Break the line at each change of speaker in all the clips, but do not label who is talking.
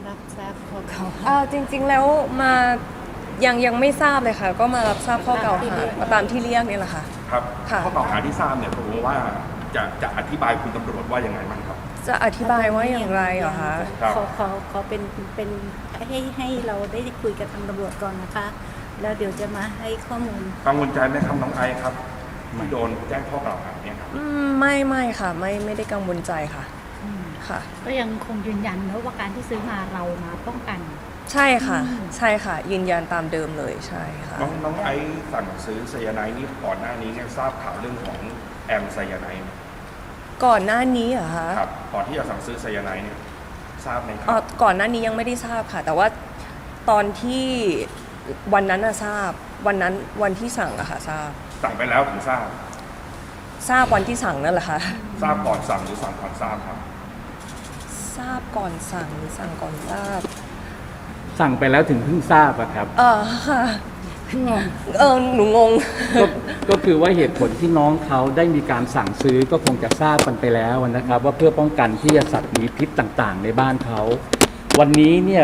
รับทราบข้อกล่าวหา
จริงๆแล้วมายังไม่ทราบเลยค่ะก็มารับทราบข้อกล่าวหามาตามที่เรียกนี่แหละค่ะ
ครับ
ค่ะ
ข้อกล่าวหาที่ทราบเนี่ยผมว่าจะอธิบายคุณตำรวจว่ายังไงบ้างครับ
จะอธิบายว่าอย่างไรเหรอคะ
ครับ
ขอเป็นให้เราได้คุยกับทางตำรวจก่อนนะคะ แล้วเดี๋ยวจะมาให้ข้อมูล
กังวลใจไหมครับน้องไอซ์ครับที่โดนแจ้งข้อกล่าวหาเนี่ยครับ
ไม่ค่ะไม่ได้กังวลใจค่ะค่ะ
ก็ยังคงยืนยันนะว่าการที่ซื้อมาเรามาป้องกัน
ใช่ค่ะใช่ค่ะยืนยันตามเดิมเลยใช่ค่ะ
น้องไอซ์สั่งซื้อไซยาไนด์นี่ก่อนหน้านี้เนี่ยทราบข่าวเรื่องของแอมไซยาไนด์ไหม
ก่อนหน้านี้เหรอคะ
ครับก่อนที่จะสั่งซื้อไซยาไนด์เนี่ยทราบไหมค
อ๋อ
รับ
ก่อนหน้านี้ยังไม่ได้ทราบค่ะ แต่ว่าตอนที่วันนั้นทราบวันที่สั่งอะค่ะทราบ
สั่งไปแล้วถึงทราบ
วันที่สั่งนั่นแหละค่ะ
ทราบก่อนสั่งหรือสั่งก่อนทราบครับ
ทราบก่อนสั่งหรือสั่งก่อนทราบ
สั่งไปแล้วถึงเพิ่งทราบอะครับ
ค่ะหนูงง
ก็คือว่าเหตุผลที่น้องเขาได้มีการสั่งซื้อก็คงจะทราบกันไปแล้วนะครับ ว่าเพื่อป้องกันที่จะสัตว์มีพิษต่างๆ ในบ้านเขาวันนี้เนี่ย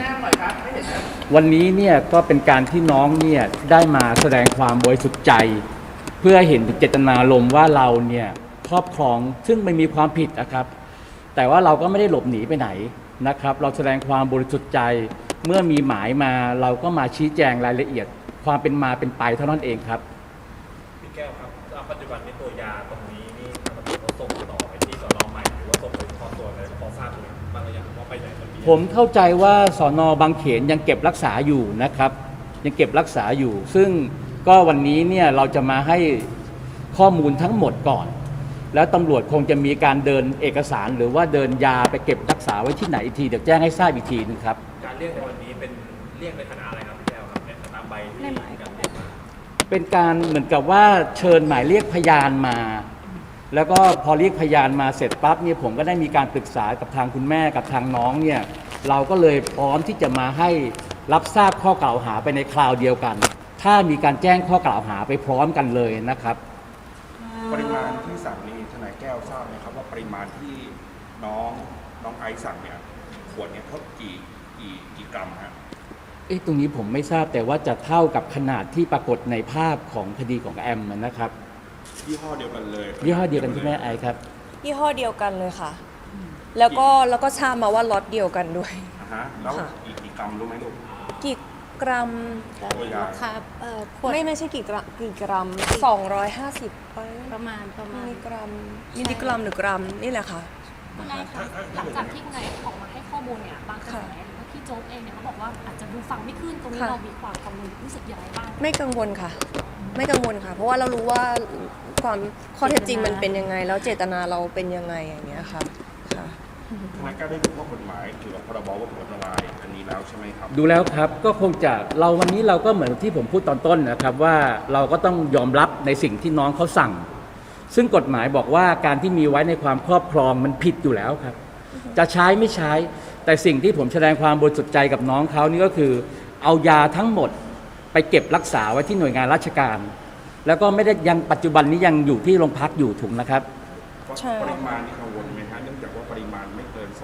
ก็เป็นการที่น้องเนี่ยได้มาแสดงความบริสุทธิ์ใจ เพื่อเห็นถึงเจตนารมณ์ว่าเราเนี่ยครอบครองซึ่งไม่มีความผิดนะครับ แต่ว่าเราก็ไม่ได้หลบหนีไปไหนนะครับ เราแสดงความบริสุทธิ์ใจเมื่อมีหมายมาเราก็มาชี้แจงรายละเอียด ความเป็นมาเป็นไปเท่านั้นเองครับ
พี่แก้วครับปัจจุบันในตัวยาตรงนี้นี่ทางตำรวจเขาส่งต่อไปที่สน.ใหม่หรือว่าส่งไปขอตัวอะไรพอทราบไหมบ้างหรือยังว่าไปไหนตอนนี้
ผมเข้าใจว่าสน.บางเขนยังเก็บรักษาอยู่นะครับยังเก็บรักษาอยู่ ซึ่งก็วันนี้เนี่ยเราจะมาให้ข้อมูลทั้งหมดก่อน แล้วตำรวจคงจะมีการเดินเอกสารหรือว่าเดินยาไปเก็บรักษาไว้ที่ไหนอีกทีเดี๋ยวแจ้งให้ทราบอีกทีนึงครับ
การเรียกในวันนี้เป็นเรียกในฐานะอะไรครับพี่แก้วครับในตามใบที่การเรียกมา
เป็นการเหมือนกับว่าเชิญหมายเรียกพยานมา แล้วก็พอเรียกพยานมาเสร็จปั๊บเนี่ยผมก็ได้มีการปรึกษากับทางคุณแม่กับทางน้องเนี่ยเราก็เลยพร้อมที่จะมาให้รับทราบข้อกล่าวหาไปในคราวเดียวกัน ถ้ามีการแจ้งข้อกล่าวหาไปพร้อมกันเลยนะครับ
ปริมาณที่สั่งนี่ทนายแก้วทราบไหมครับว่าปริมาณที่น้องไอซ์สั่งเนี่ยขวดเนี่ยเขากี่กรัมฮะ
ตรงนี้ผมไม่ทราบแต่ว่าจะเท่ากับขนาดที่ปรากฏในภาพของคดีของแอมนะครับ
ยี่ห้อเดียวกันเลย
ยี่ห้อเดียวกันที่แม่ไอครับ
ยี่ห้อเดียวกันเลยค่ะ แล้วก็ทราบมาว่าล็อตเดียวกันด้วย
แล้ว
ค่ะ
กี่กรัมรู้ไหมลูก
กี่กรัม
ตัวยา
ค่ะขวด
ไม่ใช่กี่กรัม250ไป
ประมาณ
มิลลิกรัมหรือกรัมนี่แหละค่ะ
คุณนายคะหลังจากที่คุณนายออกมาให้ข้อมูลเนี่ยบางกระแสหรือว่าพี่โจ๊กเองเนี่ยเขาบอกว่าอาจจะดูฟังไม่ขึ้นตรงนี้
ค่ะ
เรามีความกังวลรู้สึกอย่างไรบ้าง
ไม่กังวลค่ะ ไม่กังวลค่ะ เพราะว่าเรารู้ว่าความข้อเท็จจริงมันเป็นยังไง แล้วเจตนาเราเป็นยังไงอย่างเงี้ยค่ะค่ะ
ทนายแก้วได้ดูข้อกฎหมายเกี่ยวกับพรบวัตถุอันตรายอันนี้แล้วใช่ไหมครับ
ดูแล้วครับก็คงจะเราวันนี้เราก็เหมือนที่ผมพูดตอนต้นนะครับว่าเราก็ต้องยอมรับในสิ่งที่น้องเขาสั่ง ซึ่งกฎหมายบอกว่าการที่มีไว้ในความครอบครองมันผิดอยู่แล้วครับ จะใช้ไม่ใช้ แต่สิ่งที่ผมแสดงความบริสุทธิ์ใจกับน้องเขานี่ก็คือ เอายาทั้งหมดไปเก็บรักษาไว้ที่หน่วยงานราชการ แล้วก็ไม่ได้ยังปัจจุบันนี้ยังอยู่ที่โรงพักอยู่ถูกนะครับ
ใช่
ปริมาณนี่กังวลไหมฮะเนื่องจากว่าปริมาณไม่เกิน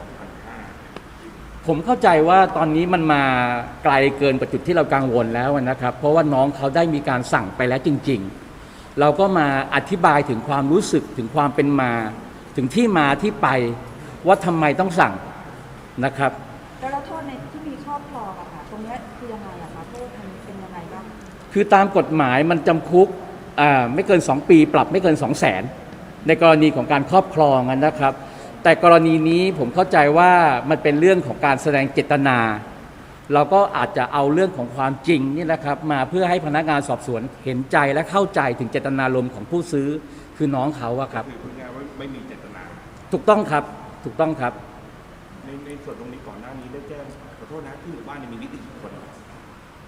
2,500
ผมเข้าใจว่าตอนนี้มันมาไกลเกินกว่าจุดที่เรากังวลแล้วนะครับ เพราะว่าน้องเขาได้มีการสั่งไปแล้วจริง ๆ เราก็มาอธิบายถึงความรู้สึกถึงความเป็นมา ถึงที่มาที่ไปว่าทำไมต้องสั่งนะครับ
แล้วโทษในที่มีครอบครองอะค่ะตรงเนี้ยคือยังไงอะคะโทษมันเป็นยังไงบ้าง
คือตามกฎหมายมันจำคุกไม่เกิน 2 ปีปรับไม่เกิน 200,000 ในกรณีของการครอบครองนะครับ แต่กรณีนี้ผมเข้าใจว่ามันเป็นเรื่องของการแสดงเจตนา เราก็อาจจะเอาเรื่องของความจริงนี่นะครับมาเพื่อให้พนักงานสอบสวนเห็นใจและเข้าใจถึงเจตนารมณ์ของผู้ซื้อคือน้องเขาอะครับ
คือพูดง่ายๆว่าไม่มีเจตนา
ถูกต้องครับถูกต้องครับ
ในส่วนตรงนี้ก่อนหน้านี้ได้แจ้งขอโทษนะที่หมู่บ้านเนี่ยมีนิติบุคคล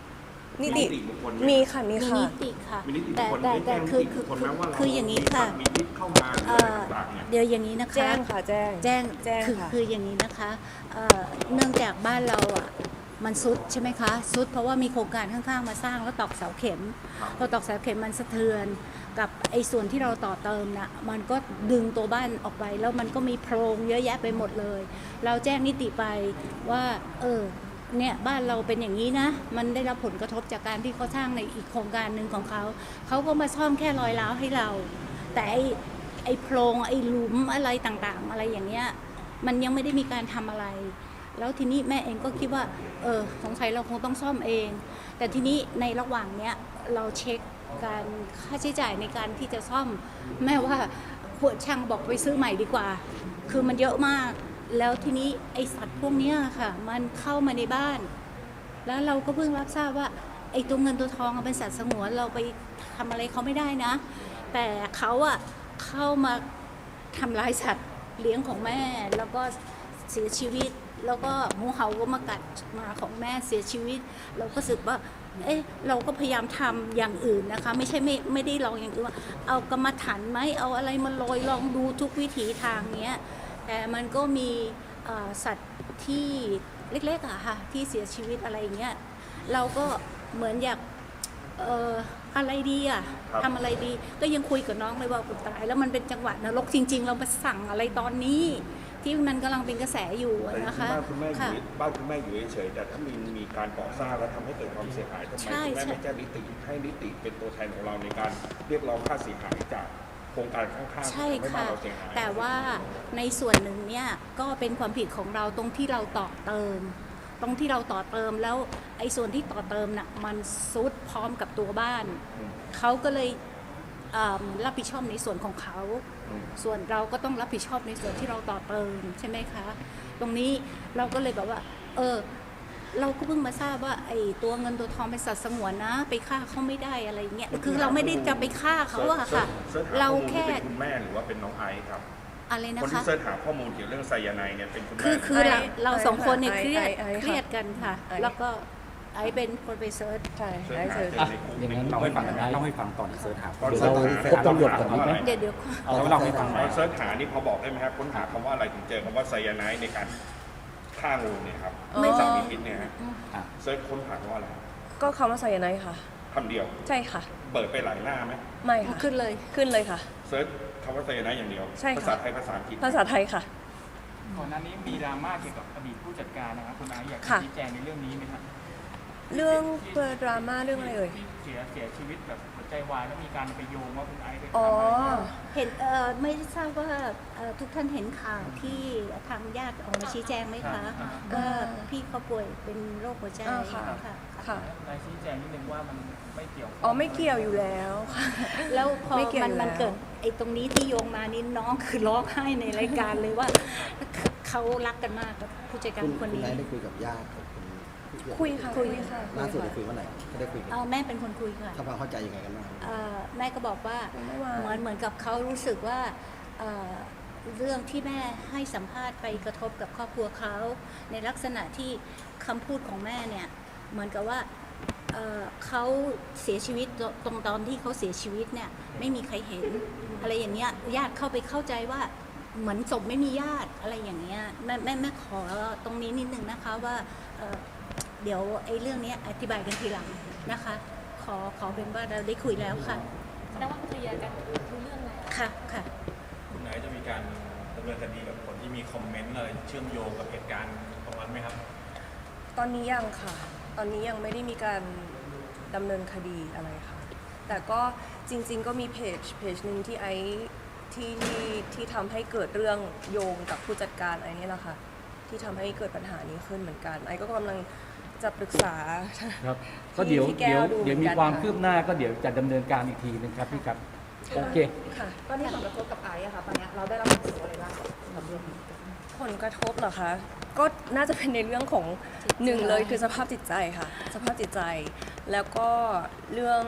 นิติ
บุคคล
มีค่ะ มี
มี
ค่ะ
นิติค่ะ
มีนิติบุ
แต่
คคล
แต่
ได้
แต่
แจ้ง
คือ
นิติบุคคลไหมว่าเรา
คืออย่างนี้ค่ะ
มีมิตรเข้ามาหรืออะไรต่างๆเนี่ย
เดี๋ยวอย่างนี้นะคะ
แจ้งค่ะ แจ้ง
แจ้ง
แจ้ง
คือ
ค่ะ
คืออย่างนี้นะคะเนื่องจากบ้านเราอ่ะมันซุดใช่ไหมคะซุดเพราะว่ามีโครงการข้างๆมาสร้างแล้วตอกเสาเข็ม พอตอกเสาเข็มมันสะเทือนกับไอ้ส่วนที่เราต่อเติมน่ะมันก็ดึงตัวบ้านออกไปแล้วมันก็มีโพรงเยอะแยะไปหมดเลย เราแจ้งนิติไปว่าเนี่ยบ้านเราเป็นอย่างนี้นะมันได้รับผลกระทบจากการที่เขาสร้างในอีกโครงการหนึ่งของเขาก็มาซ่อมแค่รอยร้าวให้เรา แต่ไอ้โพรงไอ้หลุมอะไรต่างๆ อะไรอย่างเงี้ยมันยังไม่ได้มีการทำอะไร แล้วทีนี้แม่เองก็คิดว่าสงสัยเราคงต้องซ่อมเอง แต่ทีนี้ในระหว่างเนี้ยเราเช็คการค่าใช้จ่ายในการที่จะซ่อมแม่ว่าพวกช่างบอกไปซื้อใหม่ดีกว่า คือมันเยอะมาก แล้วทีนี้ไอสัตว์พวกเนี้ยค่ะมันเข้ามาในบ้าน แล้วเราก็เพิ่งรับทราบว่าไอตัวเงินตัวทองเป็นสัตว์สงวนเราไปทำอะไรเขาไม่ได้นะ แต่เขาอะเข้ามาทำลายสัตว์เลี้ยงของแม่แล้วก็เสียชีวิต แล้วก็งูเห่าก็มากัดหมาของแม่เสียชีวิต เราก็รู้สึกว่าเราก็พยายามทำอย่างอื่นนะคะไม่ใช่ไม่ได้ลองอย่างอื่นว่าเอากรรมฐานไหมเอาอะไรมาโรยลองดูทุกวิถีทางเนี้ยแต่มันก็มีสัตว์ที่เล็กๆอะค่ะที่เสียชีวิตอะไรอย่างเงี้ยเราก็เหมือนอยากอะไรดีอะทำอะไรดีก็ยังคุยกับน้องเลยว่าตายแล้วมันเป็นจังหวะนรกจริงๆเรามาสั่งอะไรตอนนี้ที่มันกำลังเป็นกระแสอยู่
แต่
นะคะ
บ้านคุณแม่อยู่บ้านคุณแม่อยู่เฉยๆแต่ถ้ามีการก่อสร้างแล้วทำให้เกิดความเสียหายทำไมคุณแม่ไม่แจ้งนิติให้นิติเป็นตัวแทนของเราในการเรียกร้องค่าเสียหายจากโครงการข้างๆ
ใช่
ทำให้บ้า
ค่ะ
นเราเสียหาย
แต่ว่าในส่วนหนึ่งเนี่ยก็เป็นความผิดของเราตรงที่เราต่อเติม แล้วไอ้ส่วนที่ต่อเติมน่ะมันซุดพร้อมกับตัวบ้านเขาก็เลยรับผิดชอบในส่วนของเขาส่วนเราก็ต้องรับผิดชอบในส่วนที่เราต่อเติมใช่ไหมคะตรงนี้เราก็เลยแบบว่าเราก็เพิ่งมาทราบว่าไอ้ตัวเงินตัวทองเป็นสัตว์สงวนนะไปฆ่าเขาไม่ได้อะไรเงี้ยคือเราไม่ได้จะไปฆ่าเขาอะค่ะเราแค่
เป็นคุณแม่หรือว่าเป็นน้องไอซ์ครับ
อะไรนะ
คน
คะ
ที่เสิร์ชหาข้อมูลเกี่ยวเรื่องไซยาไนด์เนี่ยเป็นคุณแม่
คือเราสองคนเนี่ยเครียด
ไอ้ค่ะ
เครียดกันค่ะ
ไอ้
แล้วก็ไอ้เป็นคนไปเซิร์ช
ใช่
เสิร์ช
ได้
หา
เจอ
เจอในคุก
อย่างนั้น
เล่าให้ฟังหน่อย
เล่า
เล่า
ให้
ให้
ฟั
ฟั
ง
ง
ตอนเสิร์ชหา
ตอนเสิร์ชหา
พบตำรวจก่อนดีไหม
เดี๋ยว
เอาเล่าให้ฟังห
ต
น่
อ
อย
นเสิร์ชหานี่พอบอกได้ไหมครับค้นหาคำว่าอะไรถึงเจอคำว่าไซยาไนด์ในการฆ่างูเนี่ยครับ
ไม่
สารมีพิษเนี่ยฮะ
อ่ะ
เสิร์ชค้นหาคำว่าอะไร
ก็คำว่าไซยาไนด์ค่ะ
คำเดียว
ใช่ค่ะ
เปิดไปหลายหน้าไหม
ไม่ค่ะ
ขึ้นเลย
ขึ้นเลยค่ะ
เสิร์ชคำว่าไซยาไนด์อย่างเดียว
ใช่ค่ะ
ภาษาไทยภาษาอังกฤษ
ภาษาไทยค่ะ
ก่อนหน้านี้มีดราม่าเกี่ยวกับอดีตผู้จัดการนะครับคุณไอซ์อยาก
ค่ะ
ชี้แจงในเรื่องนี้ไหมครับ
เรื่องเปิดดราม่าเรื่องอะไรเอ่ย
ที่เสียชีวิตแบบหัวใจวายแล้วมีการไปโยงว่าคุณไอซ์ไป
อ๋อ
ทำอะไร
เห็นไม่ทราบว่าทุกท่านเห็นข่าวที่ทางญาติออกมาชี้แจงไหมคะว่าพี่เขาป่วยเป็นโรคหัวใจ
ค่ะ
ค่ะ
ค่ะ
คุณไอซ์ชี้แจงนิดนึงว่ามันไม่เกี่ยว
อ๋อไม่เกี่ยวอยู่แล้วค่ะ
แล้วพอ
ไม่เกี่ยว
มัน
อยู่แล้ว
เกิดไอ้ตรงนี้ที่โยงมานี่น้องคือร้องไห้ในรายการเลยว่าเขารักกันมากกับผู้จัดการ
คุณ
คนนี้
ไนท์ได้คุยกับญาติของคุณ
คุยค่ะคุยค่ะ
ล่าสุดได้คุยเมื่อไหร่ไม่ได้คุยกัน
แม่เป็นคนคุยค่ะ
ทำความเข้าใจยังไงกันบ้างครับ
แม่ก็บอกว่า
เมื่อวาน
เหมือนกับเขารู้สึกว่าเรื่องที่แม่ให้สัมภาษณ์ไปกระทบกับครอบครัวเขาในลักษณะที่คำพูดของแม่เนี่ยเหมือนกับว่าเขาเสียชีวิตตรงตอนที่เขาเสียชีวิตเนี่ยไม่มีใครเห็นอะไรอย่างเงี้ยญาติเข้าไปเข้าใจว่าเหมือนศพไม่มีญาติอะไรอย่างเงี้ยแม่ขอตรงนี้นิดนึงนะคะว่าเดี๋ยวไอ้เรื่องนี้อธิบายกันทีหลังนะคะ ขอเป็นว่าเราได้คุยแล้วค่ะ
แสดงว่าเคลียร์กันรู้เรื่องแล้ว
ค่ะค่ะ
คุณไอซ์จะมีการดำเนินคดีกับคนที่มีคอมเมนต์อะไรเชื่อมโยงกับเหตุการณ์ตรงนั้นไหมครับ
ตอนนี้ยังค่ะ ตอนนี้ยังไม่ได้มีการดำเนินคดีอะไรค่ะ แต่ก็จริงๆก็มีเพจหนึ่งที่ไอซ์ที่ทำให้เกิดเรื่องโยงกับผู้จัดการไอซ์นี่แหละค่ะ ที่ทำให้เกิดปัญหานี้ขึ้นเหมือนกัน ไอซ์ก็กำลังจะปรึกษา
ครับก็เดี๋ยว
ที่แก้วดู
เดี๋ยว
เหมื
มี
อนกัน
ความ
ค่ะ
คืบหน้าก็เดี๋ยวจะดำเนินการอีกทีนึงครับพี่ครับ โอเค
ค่ะ
ตอนนี้ผลกระทบกับไอซ์อะค่ะตอนนี้เราได้รับผลกระทบอะไรบ้างกับเรื่องนี้
ผลกระทบเหรอคะ ก็น่าจะเป็นในเรื่องของหนึ่งเลยคือสภาพจิตใจค่ะ สภาพจิตใจ แล้วก็เรื่อง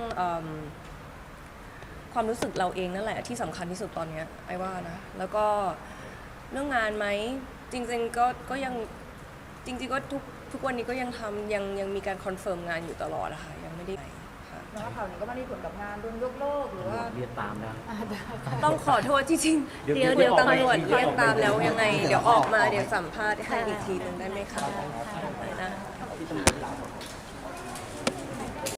ความรู้สึกเราเองนั่นแหละที่สำคัญที่สุดตอนเนี้ยไอ้ว่านะ แล้วก็เรื่องงานไหมจริงๆก็ยังจริงๆก็ทุกวันนี้ก็ยังทำยังมีการคอนเฟิร์มงานอยู่ตลอดอะค่ะยังไม่ไม่ได้ค่ะ
แล้วข่าวนี้ก็ไม่ได้ผลกับงานโดนยกเลิกหรือว่า
เรียกตามได้
ต้องขอโทษจริงๆ
เดี๋ยว
เดี๋ยว
ออก
ตำ
มาร
วจ
อีกที
เรียกตาม
เดี๋
แล้
ยว ว
ยังไง เดี๋ยวออกมาเดี๋ยวสัมภาษณ์ให้อีกทีหนึ่งได้ไหมคะ
ค่ะ
นะ